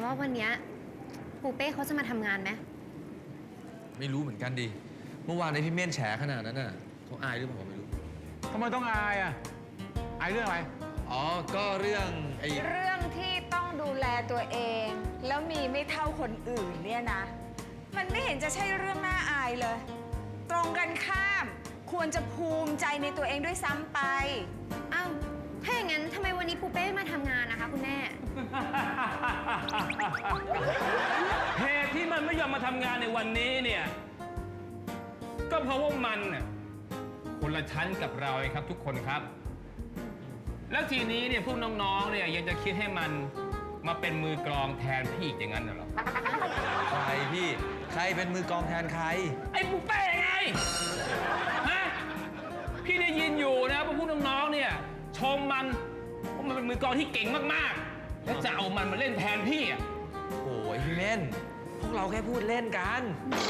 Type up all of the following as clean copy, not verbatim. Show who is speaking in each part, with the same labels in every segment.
Speaker 1: ว่าวันนี้ปูเป้เขาจะมาทำงานไหม
Speaker 2: ไม่รู้เหมือนกันดิเมื่อวานในพี่เม่นแฉขนาดนั้นน่ะเขาอายหรือเปล่าไม่รู้
Speaker 3: ทำไมต้องอายอ่ะอายเรื่องอะไร
Speaker 2: อ๋อก็เรื่อง
Speaker 4: เรื่องที่ต้องดูแลตัวเองแล้วมีไม่เท่าคนอื่นเนี่ยนะมันไม่เห็นจะใช่เรื่องน่าอายเลยตรงกันข้ามควรจะภูมิใจในตัวเองด้วยซ้ำไป
Speaker 1: อ้าวถ้าอย่างนั้นทำไมวันนี้ปูเป้ไม่มาทำงานนะคะคุณแม่
Speaker 5: เหตุที่มันไม่ยอมมาทำงานในวันนี้เนี่ยก็เพราะว่ามันน่ะคนละชั้นกับเราเองครับทุกคนครับแล้วทีนี้เนี่ยพวกน้องๆเนี่ยยังจะคิดให้มันมาเป็นมือกลองแทนพี่อีกอย่างนั้นเหรอ
Speaker 2: ใครพี่ใครเป็นมือกลองแทนใคร
Speaker 5: ไอ้ปูเป้ไงฮะพี่ได้ยินอยู่นะพวกน้องๆเนี่ยชมมันว่ามันเป็นมือกลองที่เก่งมากๆแล้วจะเอามันมาเล่นแทนพี่อ่ะ
Speaker 2: โอ้ยพี่เม่นพวกเราแค่พูดเล่นกัน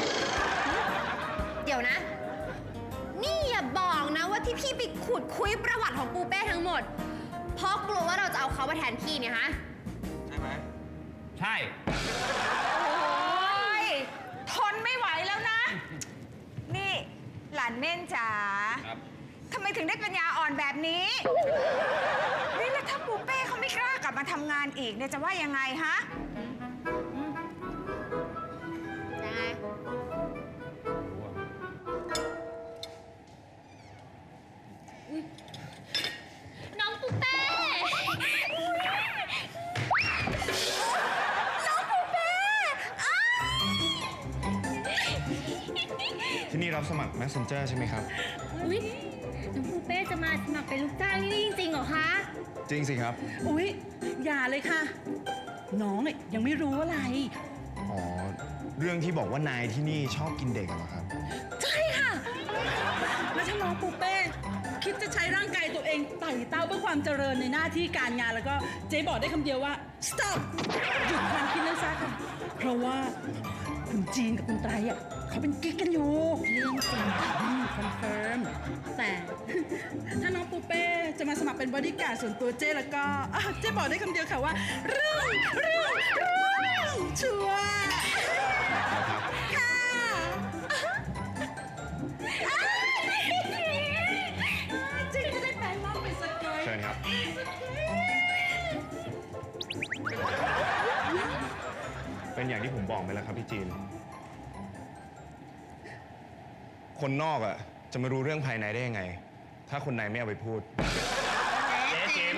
Speaker 1: เดี๋ยวนะนี่อย่าบอกนะว่าที่พี่ไปขุดคุยประวัติของปูเป้ทั้งหมดเพราะกลัวว่าเราจะเอาเขามาแทนพี่เนี่ยฮะ
Speaker 2: ใช่ไหม
Speaker 5: ใช่
Speaker 4: โอ้ยทนไม่ไหวแล้วนะนี่หลานเม่นจ๋าทำไมถึงได้ปัญญาอ่อนแบบนี้นี่แล้วถ้าปูเป้เขาไม่กล้ากลับมาทำงานอีกเนี่ยจะว่ายังไงฮะ
Speaker 1: ยังไงน้องปูเป้น้องปูเป้
Speaker 3: ที่นี่รับสมัคร Messenger ใช่ไหมครับ
Speaker 1: อุ๊ยน้องปูเป้จะมาสมัครเป็นลูกจ้างที่นี่จริงๆเหรอคะ
Speaker 3: จริงสิครับ
Speaker 6: อุ๊ยอย่าเลยค่ะน้องยังไม่รู้อะไร
Speaker 3: อ๋อเรื่องที่บอกว่านายที่นี่ชอบกินเด็กเหรอครับ
Speaker 6: ใช่ค่ะแล้วถ้าน้องปูเป้คิดจะใช้ร่างกายตัวเองไต่เต้าเพื่อความเจริญในหน้าที่การงานแล้วก็เจ๊บอกได้คำเดียวว่า stop หยุดความคิดนั้นซะค่ะเพราะว่าคุณจีนกับคุณไตรเขาเป็นกิ๊กกันอยู่เรื่องจริงคอนเฟิร์มแต่ถ้าน้องปูเป้จะมาสมัครเป็นบอดี้การ์ดส่วนตัวเจ๊แล้วก็เจ๊บอกได้คำเดียวค่ะว่าเรื่องชัวร์ค่ะจริงจะได้แปลงร่างเป็นสกอย
Speaker 3: เชิญครับเป็นอย่างที่ผมบอกไปแล้วครับพี่จีนคนนอกจะมารู้เรื่องภายในได้ยังไงถ้าคนในไม่เอาไปพูด
Speaker 5: เจ๊จิ๋ม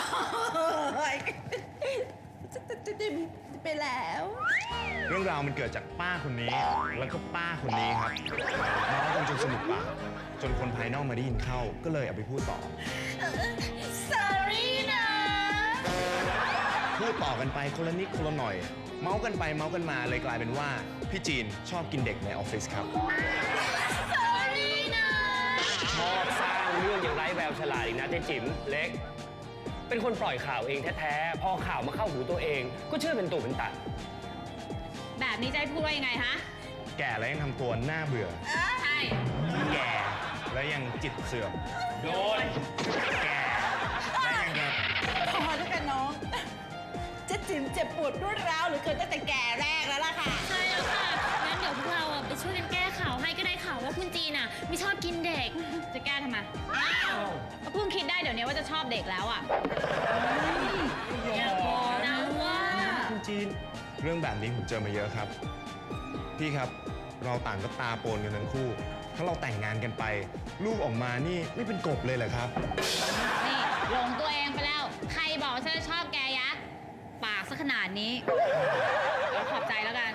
Speaker 6: จิ๋มไปแล้ว
Speaker 3: เรื่องราวมันเกิดจากป้าคนนี้แล้วก็ป้าคนนี้ครับน้องกันจนสนุกปากจนคนภายนอกมาได้ยินเข้าก็เลยเอาไปพูดต่อ
Speaker 1: sorry นะ
Speaker 3: พูดต่อกันไปคนละนิดคนละหน่อยเมาส์กันไปเมาส์กันมาเลยกลายเป็นว่าพี่จีนชอบกินเด็กในออฟฟิศครับ
Speaker 5: ชอบสร้างเรื่องอย่างไร้แววฉลาดอีกนะเจ๊จิ๋มเล็กเป็นคนปล่อยข่าวเองแท้ๆพอข่าวมาเข้าหูตัวเองก็เชื่อเป็นตุเป็นตะ
Speaker 1: แบบนี้จะให้พูดว่ายังไงฮะ
Speaker 3: แก่แล้วยังทำตัวน่าเบื่อ
Speaker 1: ใช่
Speaker 3: แก่แล้วยังจิตเสื่อม
Speaker 5: โดน
Speaker 3: แก่แล้วยัง
Speaker 6: พอแล้วกันน้องเจ๊จิ๋มเจ็บปวดรวดร้าวหรือเกินตั้งแต่แก่แรกแล้วล่ะค่ะ
Speaker 1: ใช่แล้วค่ะงั้นเดี๋ยวพวกเราไปช่วยกันแก้ข่าวให้ก็ได้ข่าวว่าคุณจีนไม่ชอบกินเด็กจะแก้ทำไมอ้าวก็เพิ่งคิดได้เดี๋ยวนี้ว่าจะชอบเด็กแล้วอย่าบอกนะว่า
Speaker 3: คุณจีนเรื่องแบบนี้ผมเจอมาเยอะครับพี่ครับเราต่างก็ตาโปนกันทั้งคู่ถ้าเราแต่งงานกันไปลูกออกมานี่ไม่เป็นกบเลยเหรอครับ
Speaker 1: นี่หลงตัวเองไปแล้วใครบอกฉันชอบแกยะปากซะขนาดนี้แล้วขอบใจแล้วกัน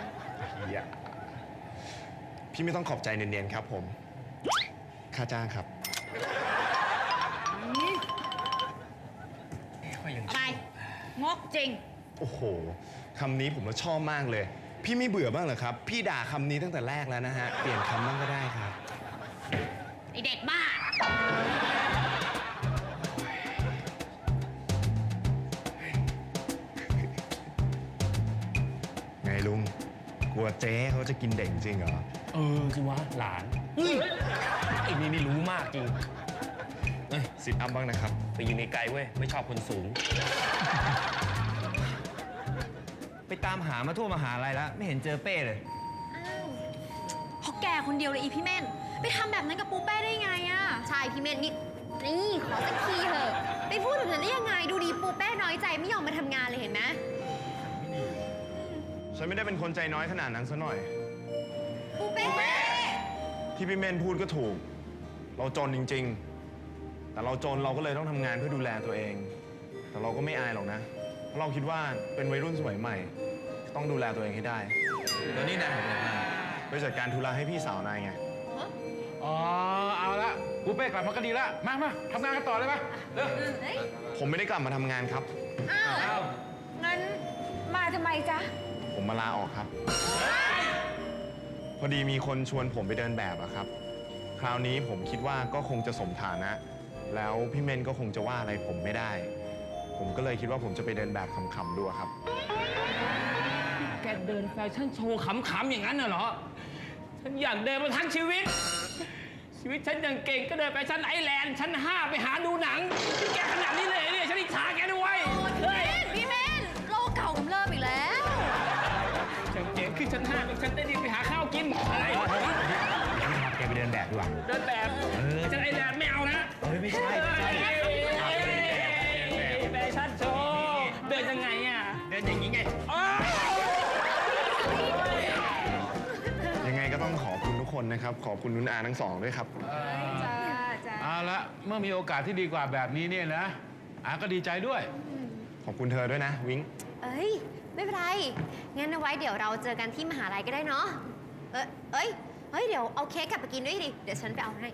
Speaker 3: พี่ไม่ต้องขอบใจเนียนๆครับผมค่าจ้างครับ
Speaker 1: ไปงกจริง
Speaker 3: โอ้โหคำนี้ผมชอบมากเลยพี่ไม่เบื่อบ้างเหรอครับพี่ด่าคำนี้ตั้งแต่แรกแล้วนะฮะเปลี่ยนคำบ้างก็ได้ครับ
Speaker 1: ไอเด็กบ้า
Speaker 3: ไงลุงกลัวเจ๊เขาจะกินเด็กจริงเหรอ
Speaker 5: คือว่าหลานไอ้นี่รู้มากจริง
Speaker 3: ซิทอัพบ้างนะครับ
Speaker 5: ไปยืนไกลๆเว้ยไม่ชอบคนสูง
Speaker 3: ไปตามหามาทั่วมหาลัยแล้ว ไม่เห็นเจอเป้เลย
Speaker 1: เพราะแกคนเดียวเลยอีพี่เม่นไปทำแบบนั้นกับปูเป้ได้ไงอะใช่พี่เม่นนี่ขอสักทีเถอะไปพูดแบบนั้นได้ยังไงดูดีปูเป้น้อยใจไม่ยอมมาทำงานเลยเห็นไหม
Speaker 3: ฉันไม่ได้เป็นคนใจน้อยขนาดนั้นซะหน่อย
Speaker 1: ปูเป้
Speaker 3: ที่พี่เม่นพูดก็ถูก เราจนจริงๆ แต่เราจนเราก็เลยต้องทำงานเพื่อดูแลตัวเอง แต่เราก็ไม่อายหรอกนะ เพราะเราคิดว่าเป็นวัยรุ่นสมัยใหม่ ต้องดูแลตัวเองให้ได้
Speaker 2: แล้วนี่นายของผมมา
Speaker 3: ไปจัดการธุระให้พี่สาวนายไง
Speaker 5: อ๋อ เอาละปูเป้กลับมาก็ดีละ มาทำงานกันต่อเลยปะเร็ว
Speaker 3: ผมไม่ได้กลับมาทำงานครับ
Speaker 4: อ้าว
Speaker 5: เอา
Speaker 4: งั้นมาทำไมจ๊ะ
Speaker 3: ผมมาลาออกครับ พอดีมีคนชวนผมไปเดินแบบอะครับ คราวนี้ผมคิดว่าก็คงจะสมฐานะ แล้วพี่เมนก็คงจะว่าอะไรผมไม่ได้ ผมก็เลยคิดว่าผมจะไปเดินแบบขำๆดูอะครับ
Speaker 5: แกเดินแฟชั่นโชว์ขำๆอย่างนั้นน่ะเหรอ ฉันอยากเดินมาทั้งชีวิต ชีวิตฉันยังเก่งก็เดินไปชั้นไอแลนด์ชั้น 5 ไปหาดูหนังแกขนาดนี้เลยเนี่ยฉันอิจฉาแกด้วยเฮ้ย
Speaker 1: พี่เม่นโลกเก่ากำเริบอีกแล้ว
Speaker 5: ฉันเก่งขึ้นชั้น 5เป็นฉันได้ดีไปหาข้าวกินอะไร
Speaker 3: แกไปเดินแบบดีกว่า
Speaker 5: เดินแบบชั้นไอแลนด์ไม่เอานะ
Speaker 3: ไม่ใช่
Speaker 5: แฟชั่นโชว์เดินยังไงอ่ะ
Speaker 3: เดินอย่างนี้ไง ยังไงก็ต้องขอบคุณทุกคนนะครับ ขอบคุณนุนอาทั้งสองด้วยครับ
Speaker 4: จ้าจ้า
Speaker 7: เอาละเมื่อมีโอกาสที่ดีกว่าแบบนี้เนี่ยนะอาก็ดีใจด้วย
Speaker 3: ขอบคุณเธอด้วยนะ วิ้ง
Speaker 1: เอ้ย ไม่เป็นไร งั้นเอาไว้เดี๋ยวเราเจอกันที่มหาลัยก็ได้เนาะ เฮ้ย เดี๋ยวเอาเค้กกลับไปกินด้วยดิ เดี๋ยวฉันไปเอาให้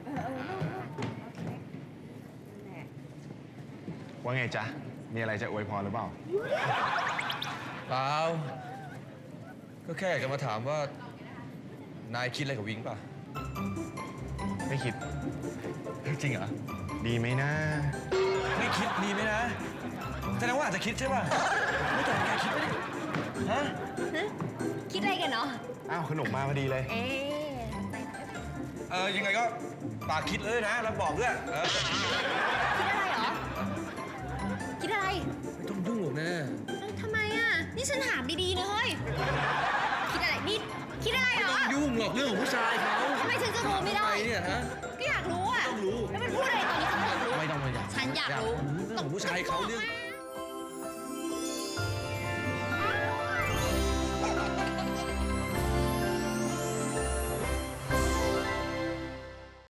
Speaker 3: ว่าไงจ๊ะ มีอะไรจะอวยพรหรือเปล่า
Speaker 2: เปล่า ก็แค่อยากจะมาถามว่า นายคิดอะไรกับวิงป่ะ
Speaker 3: ไม่คิด
Speaker 2: จริงเหรอ
Speaker 3: ดีไหมนะ
Speaker 2: ไม่คิดดีไหมนะแสดงว่าอาจจะคิดใช่ป่ะ ไม่แต่แกคิดไม่ได้ฮะ
Speaker 1: คิดอะไรกันเนาะ
Speaker 3: อ้าวขนมมาพอดีเลย
Speaker 1: เอ๊ะ
Speaker 2: ยังไงก็ปากคิดเลยนะ แล้วบอกด้วย
Speaker 1: คิดอะไรเหรอ คิดอะไร
Speaker 2: ไม่ต้องยุ่งหรอกนะ
Speaker 1: ทำไมอ่ะ นี่ฉันถามดีๆนะเฮ้ย คิดอะไร นี่ คิดอะไรเหรอ
Speaker 2: ยุ่งหรอกเรื่องของผู้ชายเขา
Speaker 1: ทำไมฉันจะรู้ไม่ได้
Speaker 2: ทำไมเนี่ยฮะ
Speaker 1: ก็อยากรู้อ่ะ
Speaker 2: ต้องรู้
Speaker 1: แล้วมันพูดอะไรตอนนี้ฉันอยากรู้
Speaker 2: ไม่ต้องมาอยาก
Speaker 1: ฉันอยากรู้
Speaker 2: เรื่องของผู้ชายเขาเรื่อง
Speaker 1: แม่